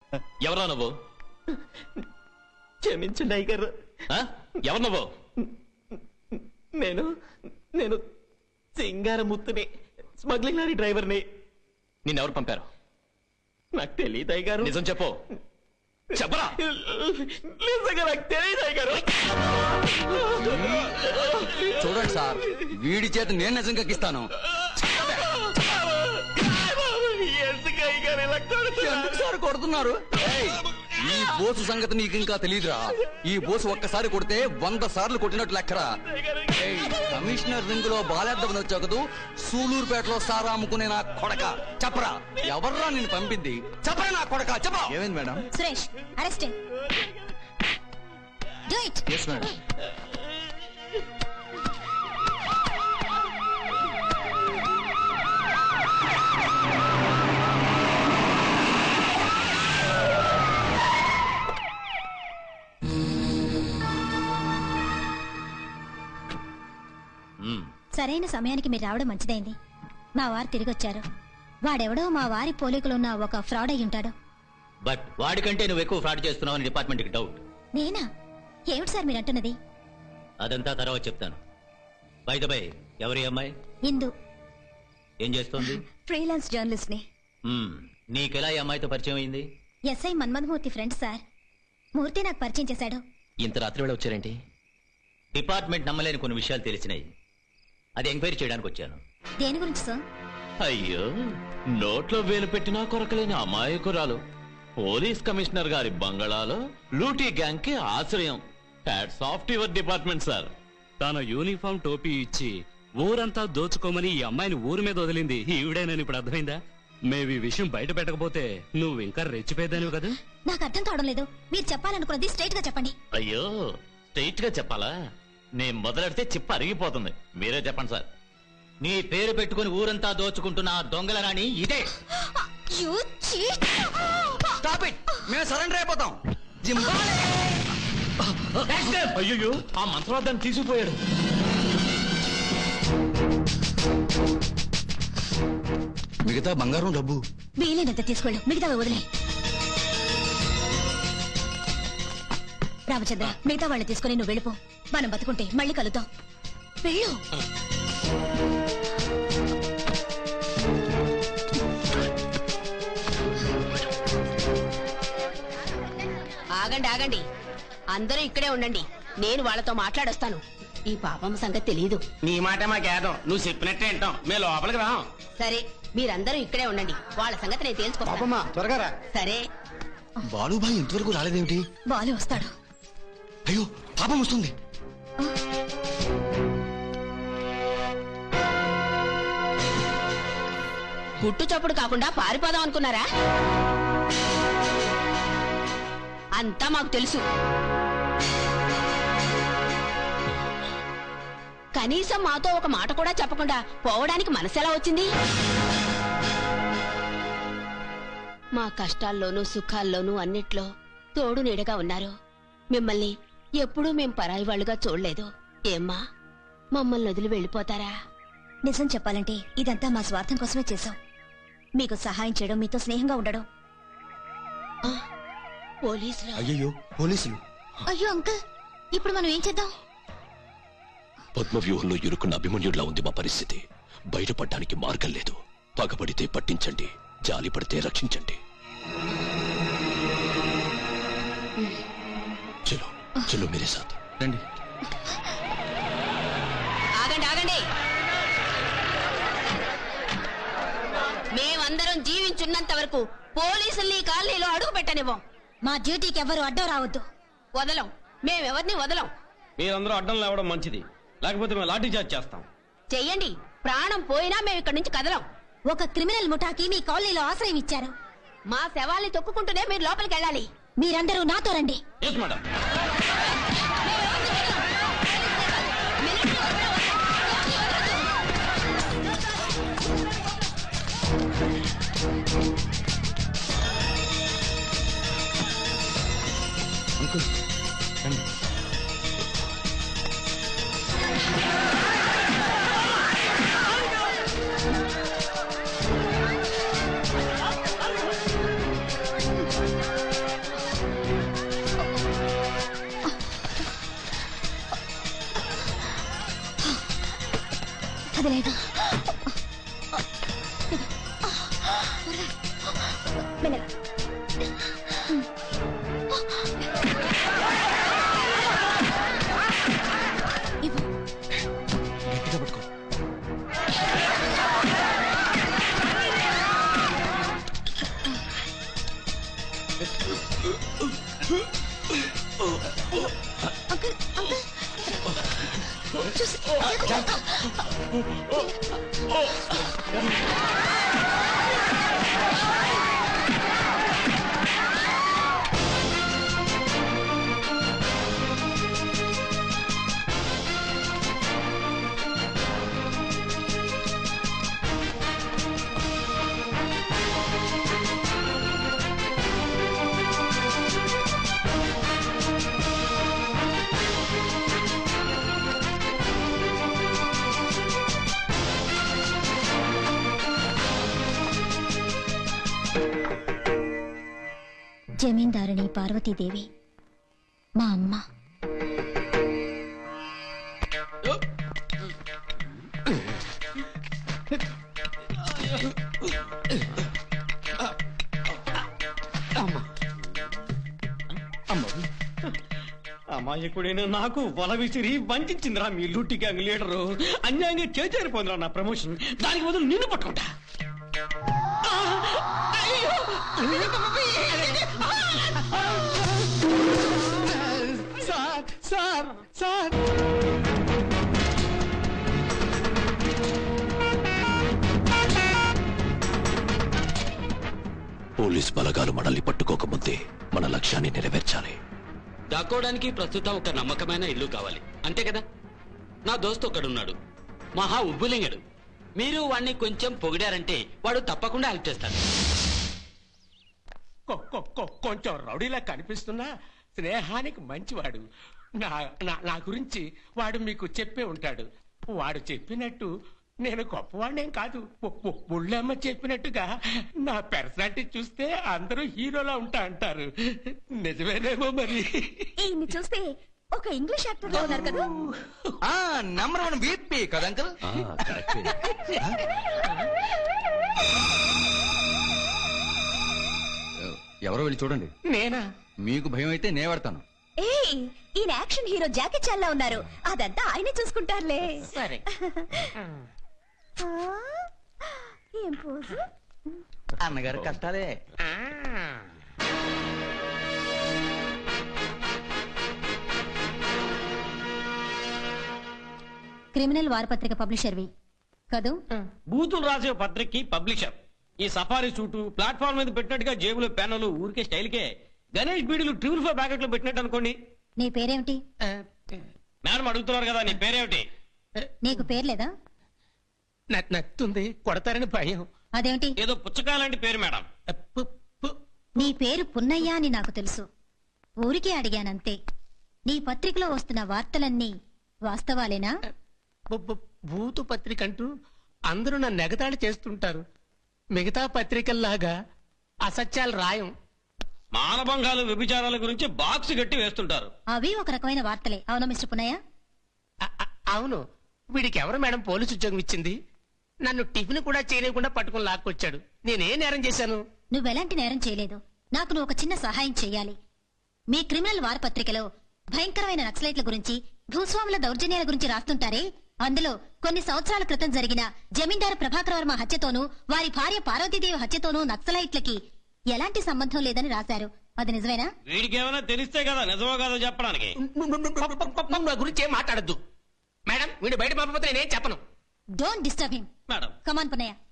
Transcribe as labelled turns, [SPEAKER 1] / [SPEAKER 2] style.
[SPEAKER 1] ఎవరా నువ్వు?
[SPEAKER 2] క్షమించండి అయ్యగారు.
[SPEAKER 1] ఎవరు నువ్వు?
[SPEAKER 2] నేను నేను సింగారముత్తుని, స్మగ్లింగ్ లారీ డ్రైవర్ని.
[SPEAKER 1] నిన్నెవరు పంపారు?
[SPEAKER 2] నాకు తెలియదు అయ్యగారు.
[SPEAKER 1] నిజం చెప్పు. చెప్పరా?
[SPEAKER 2] నిజంగా నాకు తెలియదు అయ్యగారు.
[SPEAKER 3] చూడండి సార్, వీడి చేత నేను నిజం కక్కిస్తాను. ఎందుకు సార్ కొడుతున్నారు? ఈ బోసు సంగతి నీకు ఇంకా తెలియదురా. ఈ బోసు ఒక్కసారి కొడితే 100 సార్లు కొట్టినట్లు లెక్కరా. కమిషనర్ రింగ్ లో బాలేద్దామని వచ్చావు కదూ, సూలూరుపేటలో సారా అమ్ముకునే నా కొడక. చెప్పరా, ఎవర్రా నిన్ను పంపింది? చెప్పరా నా కొడక, చెప్పరా.
[SPEAKER 4] ఏమైంది madam?
[SPEAKER 5] Suresh, arrest. Do it.
[SPEAKER 4] yes madam.
[SPEAKER 5] సరైన సమయానికి మీరు రావడం మంచిదైంది. మా వారు తిరిగి వచ్చారు. వాడెవడో మా వారి పోలికలున్న ఒక ఫ్రాడ్ అయి ఉంటాడు.
[SPEAKER 6] బట్ వాడికంటే నువ్వు ఎక్కువ ఫ్రాడ్ చేస్తున్నావని డిపార్ట్మెంట్ కి డౌట్.
[SPEAKER 5] నేనా? ఏమిటి సార్ మీరు అంటున్నది?
[SPEAKER 6] అదంతా తర్వాత చెప్తాను. బై ద బై, ఎవరి అమ్మాయి?
[SPEAKER 5] ఇందు.
[SPEAKER 6] ఏం చేస్తోంది?
[SPEAKER 5] ఫ్రీలాన్స్ జర్నలిస్ట్ ని.
[SPEAKER 6] నీకెలా ఈ అమ్మాయితో పరిచయం అయింది?
[SPEAKER 5] SI Manmathamurthy friend sir. Murthy నాకు పరిచయం చేశాడు.
[SPEAKER 1] ఇంత రాత్రి వేళ వచ్చారేంటి?
[SPEAKER 6] డిపార్ట్మెంట్ నమ్మలేని కొన్ని విషయాలు తెలిసినాయి. అది ఎంక్వైరీ చేయడానికి వచ్చాను.
[SPEAKER 5] దేని గురించి సార్?
[SPEAKER 1] అయ్యో, నోట్లో వేలు పెట్టినా కొరకలేని అమాయకురాలు పోలీస్ కమిషనర్ గారి బంగళాలో లూటీ గ్యాంగ్ కి ఆశ్రయం. Hats off to your department sir.
[SPEAKER 7] తన యూనిఫామ్ టోపీ ఇచ్చి ఊరంతా దోచుకోమని ఈ అమ్మాయిని ఊరి మీద వదిలింది ఈవిడేనని ఇప్పుడు అర్థమైందా? మేవి విషయం బయట పెట్టకపోతే నువ్వు ఇంకా రెచ్చిపోయేదానివి కదా.
[SPEAKER 5] నాకు అర్థం కావడం లేదు. మీరు చెప్పాలనుకున్నది స్ట్రైట్ గా చెప్పండి.
[SPEAKER 1] అయ్యో, స్ట్రైట్ గా చెప్పాలా? నేను మొదలెడితే చిప్ప అరిగిపోతుంది. మీరే చెప్పండి సార్.
[SPEAKER 6] నీ పేరు పెట్టుకుని ఊరంతా దోచుకుంటున్న ఆ దొంగల రాణి ఇదే.
[SPEAKER 3] స్టాప్ ఇట్, మేము సరెండర్ అయిపోతాం.
[SPEAKER 1] అయ్యో, ఆ మంత్రవాదాన్ని తీసుకుపోయాడు.
[SPEAKER 3] మిగతా బంగారం డబ్బు
[SPEAKER 5] వీలైనంత తీసుకెళ్ళు, మిగతా వదిలే. రామచంద్ర, మిగతా వాళ్ళు తీసుకుని నువ్వు వెళ్ళిపో. మనం బతుకుంటే మళ్ళీ కలుద్దాం. వెళ్ళు.
[SPEAKER 8] ఆగండి ఆగండి, అందరూ ఇక్కడే ఉండండి. నేను వాళ్ళతో మాట్లాడొస్తాను. ఈ పాపమ్మ సంగతి తెలియదు.
[SPEAKER 2] నీ మాట మాకేదం, నువ్వు చెప్పినట్టే వింటాం. మేము లోపలికి రాం.
[SPEAKER 8] సరే, మీరందరూ ఇక్కడే ఉండండి. వాళ్ళ సంగతి నేను తెలుసుకుంటాను.
[SPEAKER 4] త్వరగా రా.
[SPEAKER 8] సరే.
[SPEAKER 3] బాలుబాయ్ ఇంతవరకు రాలేదేమిటి?
[SPEAKER 5] బాలు వస్తాడు.
[SPEAKER 3] అయ్యో, పాపం వస్తుంది.
[SPEAKER 8] గుట్టు చప్పుడు కాకుండా పారిపోదాం అనుకున్నారా? అంతా మాకు తెలుసు. కనీసం మాతో ఒక మాట కూడా చెప్పకుండా పోవడానికి మనసెలా వచ్చింది? మా కష్టాల్లోనూ సుఖాల్లోనూ అన్నిట్లో తోడు నీడగా ఉన్నారు. మిమ్మల్ని ఎప్పుడూ మేం పరాయి వాళ్ళుగా చూడలేదు. ఏమ్మా, మమ్మల్ని వదిలి వెళ్ళిపోతారా?
[SPEAKER 5] నిజం చెప్పాలంటే ఇదంతా మా స్వార్థం కోసమే చేశాం. మీకు సహాయం చేయడం, మీతో స్నేహంగా ఉండడం.
[SPEAKER 8] పోలీసులు?
[SPEAKER 3] అయ్యో, పోలీసులు.
[SPEAKER 5] అయ్యో అంకుల్, ఇప్పుడు మనం ఏం చేద్దాం?
[SPEAKER 9] పద్మవ్యూహంలో ఇరుకున్న అభిమన్యుడిలా ఉంది మా పరిస్థితి. బయటపడడానికి మార్గం లేదు. పగబడితే పట్టించండి, జాలి పడితే రక్షించండి. చలో చలో మేరే సాత్
[SPEAKER 3] రండి.
[SPEAKER 8] ఆగండి ఆగండి, మేమందరం జీవించున్నంత వరకు పోలీసుల్ని కాలనీలో అడుగు పెట్టనివ్వం.
[SPEAKER 5] మా డ్యూటీకి ఎవరు అడ్డం రావద్దు.
[SPEAKER 8] వదలం, మేమెవరిని వదలం.
[SPEAKER 2] మీరందరూ అడ్డం లేవడం మంచిది, లేకపోతే మేము లాఠీ చార్జ్ చేస్తాం.
[SPEAKER 8] చెయ్యండి, ప్రాణం పోయినా మేము ఇక్కడి నుంచి కదలం.
[SPEAKER 5] ఒక క్రిమినల్ ముఠాకి మీ కాలనీలో ఆశ్రయం ఇచ్చారు.
[SPEAKER 8] మా శవాల్ని తొక్కుకుంటూనే మీరు లోపలికి వెళ్ళాలి.
[SPEAKER 5] మీరందరూ నాతో రండి.
[SPEAKER 2] మేడం.
[SPEAKER 3] అంకుల్ రండి.
[SPEAKER 5] లేదు మెల్లగా. ఇవ్వు. అంకుల్ అంకుల్ చూసి జమీందారుని పార్వతీదేవి మా అమ్మ.
[SPEAKER 2] అమాయకుడైన నాకు వల విసిరి వంచిందిరా మీ లూటి గ్యాంగ్ లీడరు. అన్యాయంగా చేజారిపోయిందిరా నా ప్రమోషన్. దానికి బదులు నిన్ను పట్టుకుంటా. సార్ సార్ సార్
[SPEAKER 9] పోలీస్ బలగాలు మనల్ని పట్టుకోకముందే మన లక్ష్యాన్ని నెరవేర్చాలి.
[SPEAKER 7] దాక్కోవడానికి ప్రస్తుతం ఒక నమ్మకమైన ఇల్లు కావాలి, అంతే కదా? నా దోస్తు ఒకడున్నాడు, మహా ఉబ్బులింగడు. మీరు వాణ్ణి కొంచెం పొగిడారంటే వాడు తప్పకుండా హెల్ప్ చేస్తాడు.
[SPEAKER 4] కొంచెం రౌడీలా కనిపిస్తున్నా స్నేహానికి మంచివాడు. నా గురించి వాడు మీకు చెప్పే ఉంటాడు. వాడు చెప్పినట్టు నేను గొప్పవాడినేం కాదు. ముళ్ళమ్మ చెప్పినట్టుగా నా పర్సనాలిటీ చూస్తే అందరూ హీరోలా ఉంటా అంటారు. నిజమేనేమో మరి.
[SPEAKER 5] ఈయన్ని చూస్తే ఒక ఇంగ్లీష్ యాక్టర్ లో ఉన్నారు కదా.
[SPEAKER 3] నంబర్ 1 వీపీ కదా అంకుల్. ఎవరో వెళ్ళి చూడండి.
[SPEAKER 4] నేనా?
[SPEAKER 3] మీకు భయం అయితే నే పడతాను.
[SPEAKER 5] ఈయన యాక్షన్ హీరో జాకీ చాన్ లా ఉన్నారు. అదంతా ఆయనే చూసుకుంటారులే.
[SPEAKER 4] సరే.
[SPEAKER 5] ఏం పోజు.
[SPEAKER 3] అన్నగారు కష్టాలే.
[SPEAKER 5] క్రిమినల్ వారపత్రిక పబ్లిషర్వి కదూ?
[SPEAKER 2] బూతులు రాసే పత్రికకి పబ్లిషర్. ఈ సఫారీ సూటు ప్లాట్ఫామ్ మీద పెట్టినట్టుగా జేబులో పెన్నులు ఊరికే స్టైల్కే గణేష్ బీడీలు 4 ప్యాకెట్లు పెట్టినట్టు అనుకోండి.
[SPEAKER 5] నీ పేరేమిటి?
[SPEAKER 2] మేడం అడుగుతున్నారు కదా, నీ పేరేమిటి?
[SPEAKER 5] నీకు పేరు లేదా?
[SPEAKER 4] నత్తుంది, కొడతారని భయం.
[SPEAKER 5] అదేమిటి?
[SPEAKER 2] ఏదో పుచ్చకాయ లాంటి పేరు మేడం.
[SPEAKER 5] నీ పేరు పున్నయ్య అని నాకు తెలుసు. ఊరికే అడిగానంతే. నీ పత్రికలో వస్తున్న వార్తలన్నీ వాస్తవాలేనా?
[SPEAKER 4] భూతు పత్రిక అంటూ అందరూ నన్ను ఎగతాళి చేస్తుంటారు. మిగతా పత్రికల్లాగా అసత్యాలు రాయం.
[SPEAKER 2] మానభంగాలు వ్యభిచారాల గురించి బాక్స్ గట్టి వేస్తుంటారు.
[SPEAKER 5] అవి ఒక రకమైన వార్తలే. అవునా మిస్టర్ పున్నయ్య?
[SPEAKER 4] అవును. వీడికి ఎవరు మేడం పోలీసు ఉద్యోగం ఇచ్చింది? నన్ను టిఫిన్ కూడా చేయలేకుండా పట్టుకుని లాక్కొచ్చాడు. నేనేం నేరం చేశాను?
[SPEAKER 5] నువ్వెలాంటి నేరం చేయలేదు. నాకు నువ్వు ఒక చిన్న సహాయం చెయ్యాలి. మీ క్రిమినల్ వారపత్రికలో భయంకరమైన నక్సలైట్ల గురించి, భూస్వాముల దౌర్జన్యాల గురించి రాస్తుంటారే, అందులో కొన్ని సంవత్సరాల క్రితం జరిగిన జమీందారు ప్రభాకర్ వర్మ హత్యతోనూ వారి భార్య పార్వతీదేవి హత్యతోనూ నక్సలైట్లకి ఎలాంటి సంబంధం లేదని రాశారు. అది నిజమేనా?
[SPEAKER 2] వీడికి ఏమైనా తెలిస్తే కదా నిజమో కాదో చెప్పడానికి.
[SPEAKER 4] నా గురించి ఏం మాట్లాడద్దు మేడం. వీడు బయట పంపకపోతే నేనేం చెప్పను.
[SPEAKER 5] Don't disturb him.
[SPEAKER 2] Madam
[SPEAKER 5] come on Punnaiah.